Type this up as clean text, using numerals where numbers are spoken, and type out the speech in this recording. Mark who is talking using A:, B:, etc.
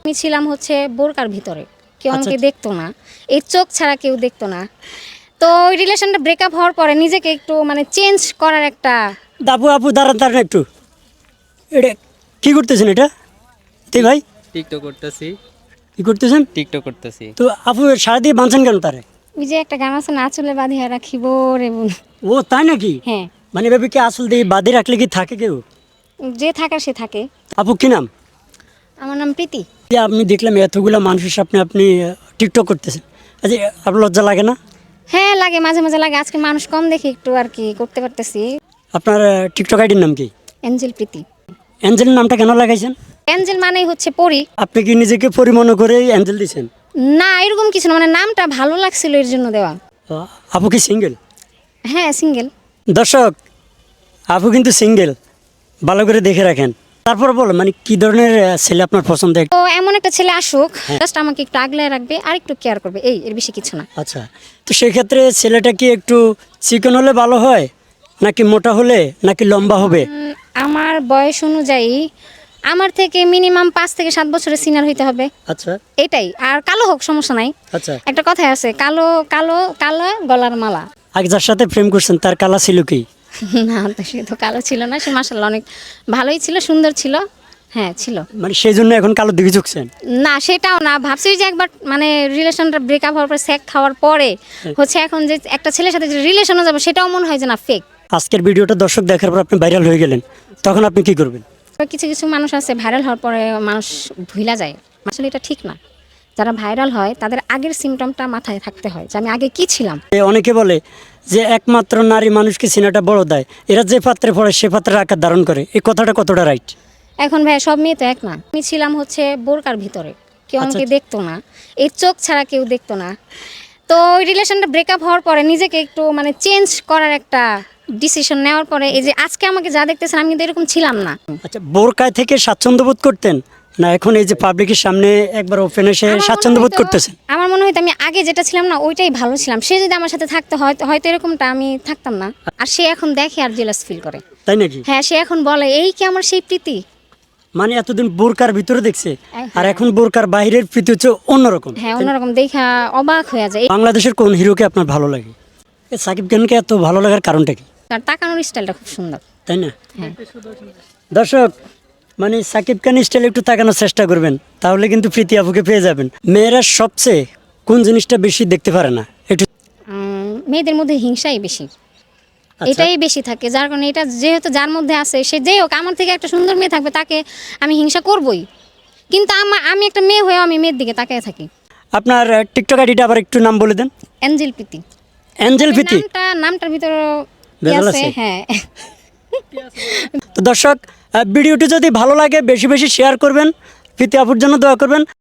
A: আমি ছিলাম হচ্ছে বোরকার ভিতরে, কেউ আমাকে দেখতো না, এই চোখ ছাড়া কেউ দেখতো না। তো ওই রিলেশনটা ব্রেকআপ হওয়ার পরে নিজেকে একটু মানে চেঞ্জ করার একটা
B: আপু আপু দাঁড়ান দাঁড়ান একটু, এটা কি করতেছেন এটা? তুই ভাই
C: টিকটক করতেছি।
B: কি করতেছেন?
C: টিকটক করতেছি।
B: তো আপু সারা দিয়ে বাঁধছেন কেন তারে?
A: ওই যে একটা গান আছে না, আঁচলে বাঁধিয়া রাখিব রে বোন।
B: ও তাই নাকি?
A: হ্যাঁ,
B: মানে এভাবে কি আসল দিয়ে বাঁধে রাখলে কি থাকে কেউ?
A: যে থাকার সে থাকে।
B: আপু কি নাম?
A: আমার নাম প্রীতি।
B: যে আমি দেখলাম এতগুলো মানুষের সামনে আপনি টিকটক করতেছেন, আচ্ছা আপনার লজ্জা লাগে না?
A: হ্যাঁ লাগে, মাঝে মাঝে লাগে। আজকে মানুষ কম দেখি একটু আর কি করতে পারতেছি।
B: আপনার টিকটক আইডির নাম কি?
A: অ্যাঞ্জেল প্রীতি।
B: অ্যাঞ্জেলের নামটা কেন লাগাইছেন?
A: অ্যাঞ্জেল মানেই হচ্ছে পরি।
B: আপনি কি নিজেকে পরি মনে করে অ্যাঞ্জেল দিয়েছেন?
A: না এরকম কিছু না, মানে নামটা ভালো লাগছিল এর জন্য দেওয়া।
B: আপু কি সিঙ্গেল?
A: হ্যাঁ সিঙ্গেল।
B: দর্শক, আপু কিন্তু সিঙ্গেল, ভালো করে দেখে রাখেন। তারপর বলো মানে কি ধরনের ছেলে আপনার পছন্দ?
A: তো এমন একটা ছেলে আসুক, জাস্ট আমাকে একটু আগলায় রাখবে আর একটু কেয়ার করবে, এই এর বেশি কিছু না।
B: আচ্ছা, তো সেক্ষেত্রে ছেলেটা কি একটু চিকন হলে ভালো হয়, নাকি মোটা হলে, নাকি লম্বা হবে?
A: আমার বয়স অনুযায়ী আমার থেকে মিনিমাম 5 থেকে 7 বছরের সিনিয়র হইতে হবে,
B: আচ্ছা
A: এটাই। আর কালো হোক, সমস্যা নাই।
B: আচ্ছা।
A: একটা কথাই আছে, কালো কালো কালো গলার মালা।
B: আগে যার সাথে প্রেম করছেন তার কালা ছিল কি?
A: না তো সে তো কালো ছিল না, সে মাশাআল্লাহ অনেক ভালোই ছিল, সুন্দর ছিল। হ্যাঁ ছিল।
B: মানে সেই জন্য এখন কালো দিকে ঝুঁকছেন?
A: না সেটাও না, ভাবছি যে একবার মানে রিলেশনটা ব্রেকআপ হওয়ার পর সেক খাওয়ার পরে হচ্ছে এখন যে একটা ছেলের সাথে যে রিলেশনে যাবো সেটাও মনে হয় যে না ফেক।
B: আজকের ভিডিওটা দর্শক দেখার পর আপনি ভাইরাল হয়ে গেলেন, তখন আপনি কি করবেন?
A: কিছু কিছু মানুষ আছে ভাইরাল হওয়ার পরে মানুষ ভুলা যায়, আসলে এটা ঠিক না। যারা ভাইরাল হয় তাদের আগের সিমটমটা মাথায় থাকতে হয় যে আমি আগে কি ছিলাম।
B: অনেকে বলে যে একমাত্র নারী মানুষকে সিনাটা বড় দেয়, এরা যে পাত্রে পড়ে সে পাত্রের আকার ধারণ করে, এই কথাটা কতটা রাইট?
A: এখন ভাই সব মেয়ে তো এক না। আমি ছিলাম হচ্ছে বোরকার ভিতরে, কেউ আমাকে দেখতো না, এই চোখ ছাড়া কেউ দেখতো না। তো ওই রিলেশনটা ব্রেকআপ হওয়ার পরে নিজেকে একটু মানে চেঞ্জ করার একটা ডিসিশন নেওয়ার পরে এই যে আজকে আমাকে যা দেখতেছেন আমি কিন্তু এরকম ছিলাম না।
B: আচ্ছা, বোরকায় থেকে স্বাচ্ছন্দ্য বোধ করতেন, না এখন এই যে পাবলিকের সামনে একবার ওপেন এসে স্বাচ্ছন্দ্য বোধ করতেছেন?
A: আমার মনে হয় আমি আগে যেটা ছিলাম না ওইটাই ভালো ছিলাম। সে যদি আমার সাথে থাকতো হয়তো এরকমটা আমি থাকতাম না। আর সে এখন দেখে আর জেলাস ফিল করে।
B: তাই নাকি?
A: হ্যাঁ সে এখন বলে এই কি আমার সেই প্রীতি।
B: মানে এতদিন বোরকার ভিতরে দেখছে, আর এখন বোরকার বাইরের প্রীতি হচ্ছে অন্যরকম।
A: হ্যাঁ অন্যরকম দেখা অবাক হয়ে যায়।
B: বাংলাদেশের কোন হিরোকে আপনার ভালো লাগে? সাকিব খানকে এত ভালো লাগার কারণটা কি?
A: তার তাকানোর স্টাইলটা খুব সুন্দর।
B: তাই না?
A: হ্যাঁ
B: দর্শক, মানে সাকিব খান স্টাইল একটু তাকানোর চেষ্টা করবেন, তাহলে কিন্তু প্রীতি আপুকে পেয়ে যাবেন। মেয়েরা সবচেয়ে কোন জিনিসটা বেশি দেখতে পারে না একটু?
A: মেয়েদের মধ্যে হিংসাই বেশি,
B: আচ্ছা।
A: এটাই বেশি থাকে। যার কারণে এটা যেহেতু যার মধ্যে আছে, সে যেই হোক আমার থেকে একটা সুন্দর মেয়ে থাকবে তাকে আমি হিংসা করবই। কিন্তু আমি একটা মেয়ে হয়েও আমি মেয়ের দিকে তাকিয়ে থাকি।
B: আপনার টিকটক আইডিটা আবার একটু নাম বলে দেন।
A: অ্যাঞ্জেল প্রীতি।
B: অ্যাঞ্জেল প্রীতি।
A: নামটার ভিতরে
B: ভেজাল
A: আছে।
B: আছে?
A: হ্যাঁ।
B: তো দর্শক, ভিডিওটি যদি ভালো লাগে বেশি বেশি শেয়ার করবেন, প্রীতি আপুর জন্য দোয়া করবেন।